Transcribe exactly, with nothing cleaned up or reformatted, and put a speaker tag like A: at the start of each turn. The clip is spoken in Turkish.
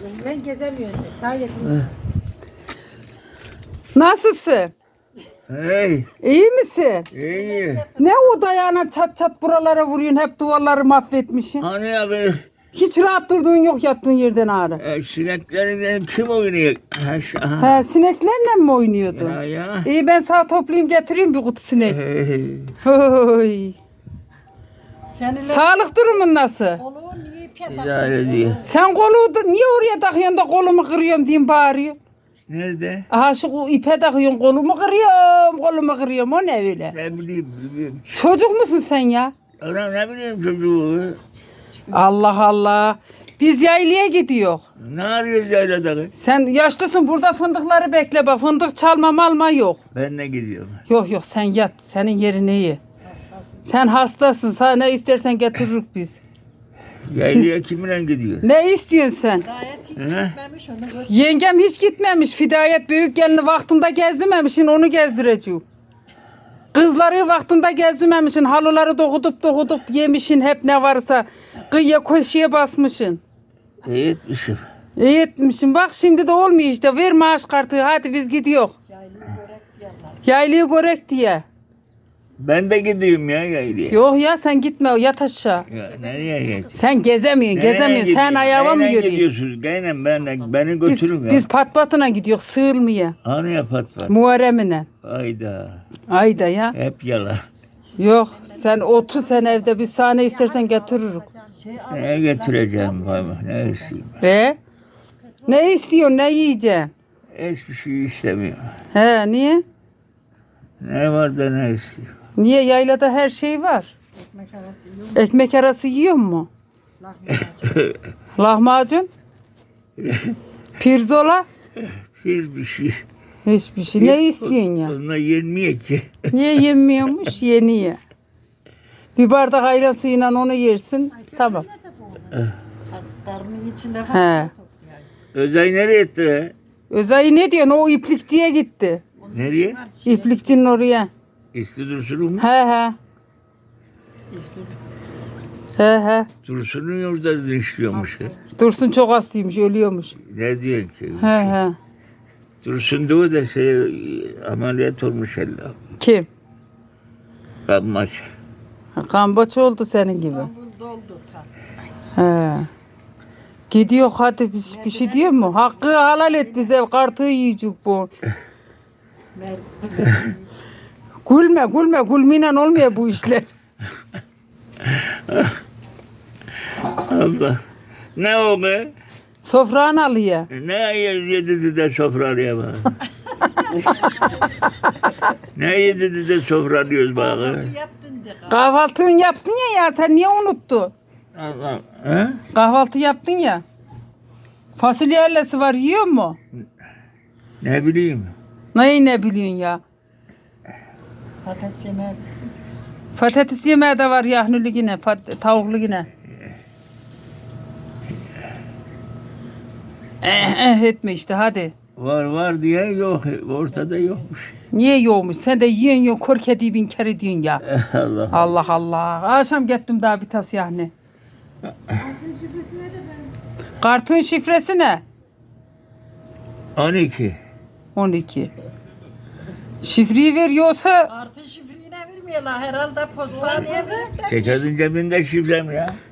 A: Ben gezemiyorum. Sadece.
B: Nasılsın?
C: Hey,
B: İyi misin?
C: iyi.
B: Ne o dayağına çat çat buralara vuruyorsun, hep duvarları mahvetmişsin.
C: Hani abi,
B: Hiç rahat durduğun yok yattığın yerden ağrı.
C: e, sineklerin kim oynuyor? Ha, şu- aha.
B: He, sineklerle mi oynuyordun?
C: Ya ya.
B: İyi, ben sana toplayayım getireyim bir kutu sinek.
C: Hey.
B: Oy.
A: Seninle
B: Sağlık durumun nasıl?
A: kolu niye ipe
C: İdare ediyor.
B: Sen kolu da- niye oraya takıyorsun da kolumu kırıyorum diyeyim bağırıyor.
C: Nerede?
B: Aha şu ipe takıyorsun, kolumu kırıyorum, kolumu kırıyorum, o ne öyle?
C: Ne bileyim, bilmiyorum.
B: Çocuk musun sen ya?
C: Ana ne bileyim çocuğu.
B: Allah Allah. Biz yaylaya gidiyor.
C: Ne arıyoruz yaylada?
B: Sen yaşlısın, burada fındıkları bekle bak, fındık çalma malma yok.
C: Ben ne gidiyorum?
B: Yok yok, sen yat, senin yerin iyi. Sen hastasın, sana ne istersen getiririz biz.
C: Yaylaya kiminle gidiyor?
B: Ne istiyorsun sen?
A: gayet hiç
C: He?
A: gitmemiş onu götür.
B: Yengem hiç gitmemiş, Fidayet büyük gelini vaktinde gezdirmemişsin, onu gezdireceğim. Kızları vaktinde gezdirmemişsin, halıları dokudup dokudup yemişsin, hep ne varsa kıyıya köşeye basmışsın.
C: İyi etmişim.
B: İyi etmişsin, bak şimdi de olmuyor işte, ver maaş kartı, hadi biz gidiyor.
A: Yaylığı börek diyorlar.
B: Yaylıyı görek diye.
C: Ben de gidiyorum ya yaylaya.
B: Yok ya, sen gitme, yat aşağı.
C: Ya nereye geçeyim?
B: Sen gezemiyorsun, gezemiyorsun. Sen ayağıma mı yürüyorsun?
C: gidiyorsunuz? Gaynen ben de, beni
B: Biz,
C: götürün ya.
B: biz pat patına gidiyoruz, sığırmaya.
C: Hani yapat bak.
B: Muharrem'ine.
C: Hayda.
B: Ayda ya.
C: Hep yalan.
B: Yok, sen otur sen evde, biz sana ne istersen getiririk.
A: Şey
C: Ne getireceğim baba? Ne isteyeyim?
B: Ve ne istiyorsun, ne yiyeceksin?
C: Hiçbir şey istemiyorum.
B: He, niye?
C: Ne var da ne istiyorum?
B: Niye, yaylada her şey var.
A: ekmek arası yiyor.
B: Ekmek arası yiyor mu?
A: Lahmacun.
B: Lahmacun? Pirzola?
C: Hiçbir şey.
B: Hiçbir şey. Ne istiyorsun ya?
C: Onlar yenmiyor ki.
B: Niye yemiyormuş? Yeni ye. Bir bardak ayran suyuyla onu yersin. Tamam.
A: Hastarının içinde
B: He.
A: falan topluyor.
C: Özay nereye etti?
B: Özay ne diyorsun? O iplikçiye gitti.
C: Nereye?
B: İplikçinin oraya.
C: İsti Dursun'un mu?
B: He he. He he.
C: Dursun'un orada işliyormuş. ya.
B: Dursun çok hastaymış, ölüyormuş.
C: Ne diyorsun ki?
B: He he.
C: Dursun da o da şey ameliyat olmuş elle.
B: Kim?
C: Kanmaç.
B: Ha, Kambaç oldu senin gibi.
A: İstanbul doldu tam.
B: He. Gidiyor, hadi bir, bir şey diyor mu? Hakkı halal et bize, kartı yiyecek bu.
A: Mer-
B: Gülme gülme, gülmeyle olmuyor bu işler.
C: Allah. Ne o be?
B: Sofranı alıyor.
C: Ne yedi de sofralıyor bana? Ne yedi de sofralıyoruz bana?
A: Kahvaltı yaptın de.
B: Kahvaltını yaptın ya ya, sen niye unuttun?
C: Allah. He?
B: Kahvaltı yaptın ya. Fasulye ellesi var, yiyor mu?
C: Ne bileyim.
B: Neyi ne biliyorsun ya?
A: Patates yemeği.
B: Patates yemeği de var, yahnülü yine, pat- tavuklu yine. Eh, eh etme işte, hadi.
C: Var var diye yok. Ortada yokmuş.
B: Niye yokmuş? Sen de yiyen yok, kor kediyi bin kere diyorsun ya.
C: Allah.
B: Allah Allah. Akşam gittim daha bir tas yani. Kartın şifresi ne?
C: on iki.
B: on iki. Şifreyi ver, yoksa
A: Artı şifreyi ne bilmiyorlar. Herhalde postaneye verir de.
C: Ceketin cebinde şifrem ya.